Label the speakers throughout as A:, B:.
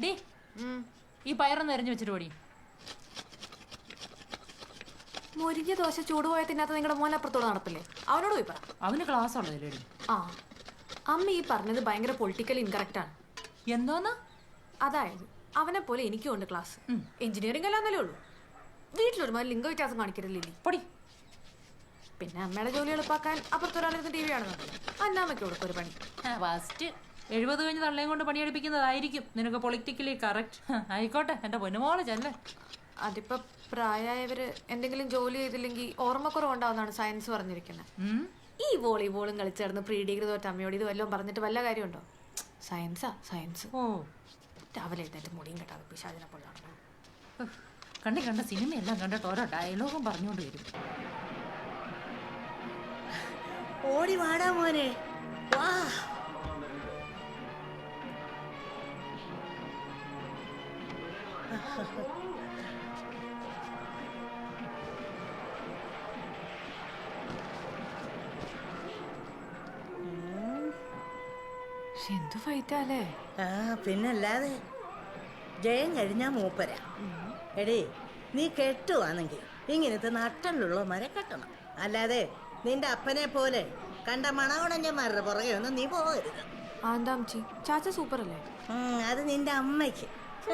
A: Day ഈ പയറൊന്ന് എറിഞ്ഞു വെച്ചിട്ട് പോടി.
B: മുരിഞ്ഞ ദോശ ചൂടുപോയ തിന്നാത്ത നിങ്ങളുടെ മോൻ അപ്പുറത്തോട് നടപ്പില്ലേ? അവനോട് പോയി പറ.
A: അവന് ക്ലാസ് ഉള്ളതില്ലേടി.
B: ആ അമ്മ ഈ പറഞ്ഞത് ഭയങ്കര പൊളിറ്റിക്കൽ ഇൻകറക്റ്റ് ആണ്.
A: എന്തോന്നാ?
B: അതായത് അവനെ പോലെ എനിക്കും ഉണ്ട് ക്ലാസ്. എഞ്ചിനീയറിംഗ് അല്ലാന്നല്ലേ ഉള്ളൂ. വീട്ടിലൊരുമാതിരി ലിംഗ വ്യത്യാസം കാണിക്കരുതില്ലേ?
A: പൊടി.
B: പിന്നെ അമ്മയുടെ ജോലി എളുപ്പാക്കാൻ അപ്പുറത്തൊരാളിരുന്ന് ടി വി ആണെന്നത് അന്നാമ്മയ്ക്ക് കൊടുക്കും ഒരു പണി.
A: ഫസ്റ്റ് 70 കഴിഞ്ഞ് തള്ളയും കൊണ്ട് പണിയെടുപ്പിക്കുന്നതായിരിക്കും നിനക്ക് പൊളിറ്റിക്കലി കറക്റ്റ്. ആയിക്കോട്ടെ എന്റെ പൊന്നുമോളെ ചെല്ലേ.
B: അതിപ്പോ പ്രായമായവര് എന്തെങ്കിലും ജോലി ചെയ്തില്ലെങ്കിൽ ഓർമ്മക്കുറവുണ്ടാവുന്നതാണ് സയൻസ് പറഞ്ഞിരിക്കുന്നത്. ഈ വോളിബോളും കളിച്ചേർന്ന് പ്രീ ഡിഗ്രി തോറ്റ അമ്മയോട് ഇത് വല്ലതും പറഞ്ഞിട്ട് വല്ല കാര്യമുണ്ടോ? സയൻസാ സയൻസ്.
A: ഓ
B: രാവിലെ എഴുന്നേറ്റ് മുടിയും കെട്ടാതെ പിശാചിനെ പോലെ നടക്കണം.
A: കണ്ട സിനിമയെല്ലാം കണ്ടിട്ട് ഓരോ ഡയലോഗും പറഞ്ഞുകൊണ്ട് വരും.
C: ഓടി വാടാ മോനെ, വാ.
B: എന്തു ഫൈറ്റാലേ?
C: ആ പിന്നല്ലാതെ ജയം കഴിഞ്ഞാ മൂപ്പര. എടേ നീ കെട്ടുവാണെങ്കിൽ ഇങ്ങനത്തെ നട്ടലുള്ള മര കെട്ടണം. അല്ലാതെ നിന്റെ അപ്പനെ പോലെ കണ്ട മണകുണഞ്ഞന്മാരുടെ പുറകെ ഒന്നും നീ പോകരുത്.
B: ആന്താംച്ചി ചാച്ച സൂപ്പർ അല്ലേ?
C: അത് നിന്റെ അമ്മയ്ക്ക്.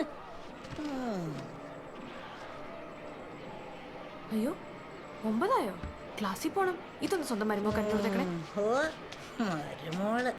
B: അയ്യോ 9 ക്ലാസ്സിൽ പോണം. ഇതൊന്ന് സ്വന്തം മരുമോ കണ്ടുകൊടുത്തേക്കണേ.
C: ഓ മരുമോള്